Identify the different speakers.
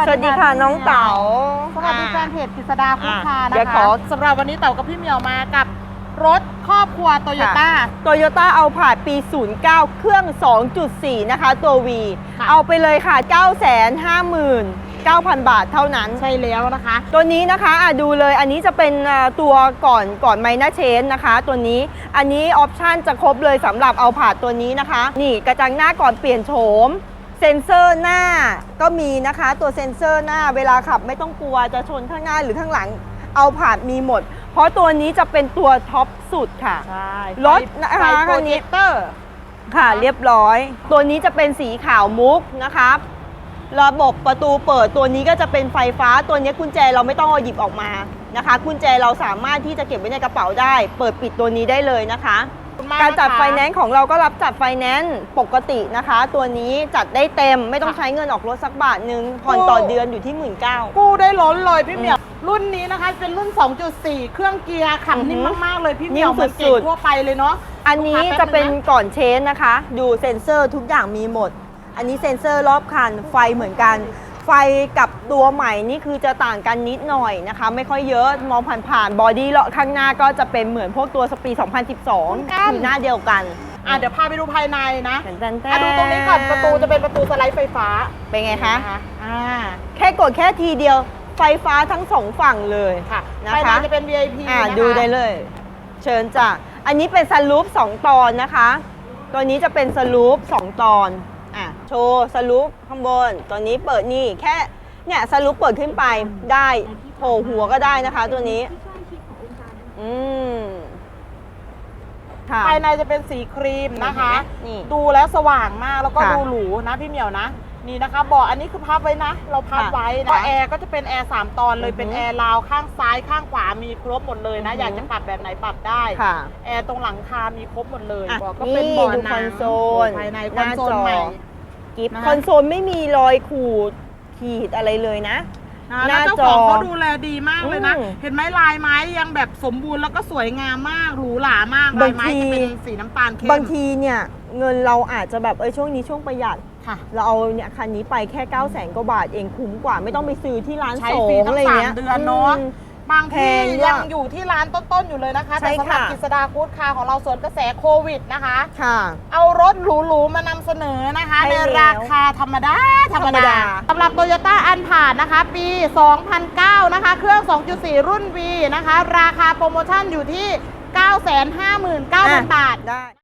Speaker 1: สวัสดีค่ะน้องเต๋า
Speaker 2: สวัสดีแฟนเพจกฤษดาคุกคา
Speaker 1: เดี๋ยว
Speaker 2: นะ
Speaker 1: ขอ
Speaker 2: คะสำหรับวันนี้เต๋ากับพี่เหมียวมากับรถครอบครัวโตโยต้า
Speaker 1: โตโยต้าเอาผาดปี 09 เครื่อง 2.4 นะคะตัว V
Speaker 2: ค่ะ
Speaker 1: เอาไปเลยค่ะ 959,000 บาทเท่านั้น
Speaker 2: ใช่แล้วนะคะ
Speaker 1: ตัวนี้นะคะดูเลยอันนี้จะเป็นตัวก่อนไมนาเชนนะคะ ตัวนี้อันนี้ออปชันจะครบเลยสำหรับเอาผาดตัวนี้นะคะ นี่กระจังหน้าก่อนเปลี่ยนโฉมเซ็นเซอร์หน้าก็มีนะคะ ตัวเซ็นเซอร์หน้าเวลาขับไม่ต้องกลัวจะชนข้างหน้าหรือข้างหลังเอาผาดมีหมด เพราะตัวนี้จะเป็นตัวท็อปสุดค่ะ
Speaker 2: ใช่
Speaker 1: รถนะคะ
Speaker 2: ไฟโปรเจคเตอร์
Speaker 1: ค่ะเรียบร้อย ตัวนี้จะเป็นสีขาวมุกนะครับ ระบบประตูเปิดตัวนี้ก็จะเป็นไฟฟ้าตัวนี้กุญแจเราไม่ต้องเอาหยิบออกมานะคะกุญแจเราสามารถที่จะเก็บไว้ในกระเป๋าได้ เปิดปิดตัวนี้ได้เลยนะคะ การจัดไฟแนนซ์ของเราก็รับจัดไฟแนนซ์ปกตินะคะ ตัวนี้จัดได้เต็มไม่ต้องใช้เงินออกรถสักบาทนึงผ่อนต่อเดือนอยู่ที่ 19,000
Speaker 2: กู้ได้ล้นเลยพี่เหมียวรุ่นนี้นะคะเป็นรุ่น 2.4 เครื่องเกียร์ขับนิ่มมากๆเลยพี่เหมียว
Speaker 1: นิ่ม
Speaker 2: มันเก่
Speaker 1: สุ
Speaker 2: ง
Speaker 1: ดๆ
Speaker 2: ทั่วไปเลยเนาะ
Speaker 1: อันนี้
Speaker 2: ลูกค้า
Speaker 1: จะเป็น
Speaker 2: แป๊บง
Speaker 1: ก่อนเชนนะคะ ดูเซ็นเซอร์ทุกอย่างมีหมด อันนี้เซ็นเซอร์รอบคันไฟเหมือนกัน ไฟกับตัวใหม่นี่คือจะต่างกันนิดหน่อยนะคะ ไม่ค่อยเยอะมองผ่านๆบอดี้เลาะข้างหน้าก็จะเป็นเหมือนพวกตัวสปี 2012 คือหน้าเดียวกัน
Speaker 2: เดี๋ยวพาไปดูภายในนะ
Speaker 1: แตนๆ
Speaker 2: ดูตรงนี้ก่อนประตูจะเป็นประตูสไลด์ไฟฟ้า
Speaker 1: เป็นไงคะ
Speaker 2: น
Speaker 1: แค่กดแค่ทีเดียวไฟฟ้าทั้งสองฝั่งเลย
Speaker 2: ค่ะ
Speaker 1: นะ
Speaker 2: ภายใน
Speaker 1: คะ
Speaker 2: จะเป็น VIP นะคะ
Speaker 1: ดูได้เลย เชิญจ้ะอันนี้เป็นสลูป2ตอนนะคะ ตัวนี้จะเป็นสลูป2ตอนโชว์สลูปข้างบนตัวนี้เปิดนี่แค่เนี่ยสลูปเปิดขึ้นไปได้โผล่หัวก็ได้นะคะตัวนี้ค่ะ
Speaker 2: ภายในจะเป็นสีครีมนะคะ
Speaker 1: นี่
Speaker 2: ดูแล้วสว่างมากแล้วก็
Speaker 1: ค่ะ
Speaker 2: ดูหรูนะพี่เหมียวนะ นี่นะคะเบอกอันนี้คือพับไว้นะ เราพับ
Speaker 1: ค่ะ
Speaker 2: ไว้นะแอร์ก็จะเป็นแอร์3ตอนเลยเป็นแอร์ราวข้างซ้ายข้างขวามีครบหมดเลยนะ อยากจะปรับแบบไหนปรับได้
Speaker 1: ค่ะ
Speaker 2: แอร์ตรงหลังคามีครบหมดเลย
Speaker 1: อ่ะ
Speaker 2: เบอกก็เป็นเบาะ
Speaker 1: ดู
Speaker 2: หนั
Speaker 1: คอง นโซล
Speaker 2: ภายใน
Speaker 1: ห
Speaker 2: คอน
Speaker 1: น้า
Speaker 2: โซ
Speaker 1: จ
Speaker 2: ล
Speaker 1: อ
Speaker 2: ใหม่
Speaker 1: กิฟต์
Speaker 2: นะคะ
Speaker 1: คอนโซลไม่มีรอยขูดขีดอะไรเลยนะ
Speaker 2: นะ
Speaker 1: ห
Speaker 2: แล้ว
Speaker 1: น้า
Speaker 2: เจ้า
Speaker 1: จ
Speaker 2: ข
Speaker 1: อ
Speaker 2: องเขาดูแลดีมากเลยนะ
Speaker 1: อืม
Speaker 2: เห็นไหมลายไม้ยังแบบสมบูรณ์แล้วก็สวยงามมากหรูหรามากลายไม้จะเป็นสีน้ำตาลเข้ม
Speaker 1: บางทีเนี่ยเงินเราอาจจะแบบช่วงนี้ช่วงประหยัด
Speaker 2: ค่ะ
Speaker 1: เราเอาเนี่ยคันนี้ไปแค่ 900,000 กว่าบาทเองคุ้มกว่าไม่ต้องไปซื้อที่ร้าน
Speaker 2: ใช้
Speaker 1: สอ
Speaker 2: ฟรี
Speaker 1: ง
Speaker 2: ทั้
Speaker 1: อะไร
Speaker 2: ง
Speaker 1: เงี้ย
Speaker 2: 3 เดือนเนาะ บาง
Speaker 1: แพ
Speaker 2: ที่
Speaker 1: งด้วย
Speaker 2: ยังอยู่ที่ร้านต้นๆอยู่เลยนะคะ
Speaker 1: ใช่
Speaker 2: แต่สำหรับ
Speaker 1: ค่ะ
Speaker 2: กฤษดากู๊ดคาร์ของเราสวนกระแสโควิดนะคะ
Speaker 1: ค่ะ
Speaker 2: เอารถหรูๆมานำเสนอนะคะ
Speaker 1: ใช่
Speaker 2: ใน
Speaker 1: แล้ว
Speaker 2: ราคาธรรมดาสำหรับโตโยต้าอันผ่านนะคะ ปี 2009 นะคะ เครื่อง 2.4 รุ่น V นะคะ ราคาโปรโมชั่นอยู่ที่ 959,000 บาท
Speaker 1: ได้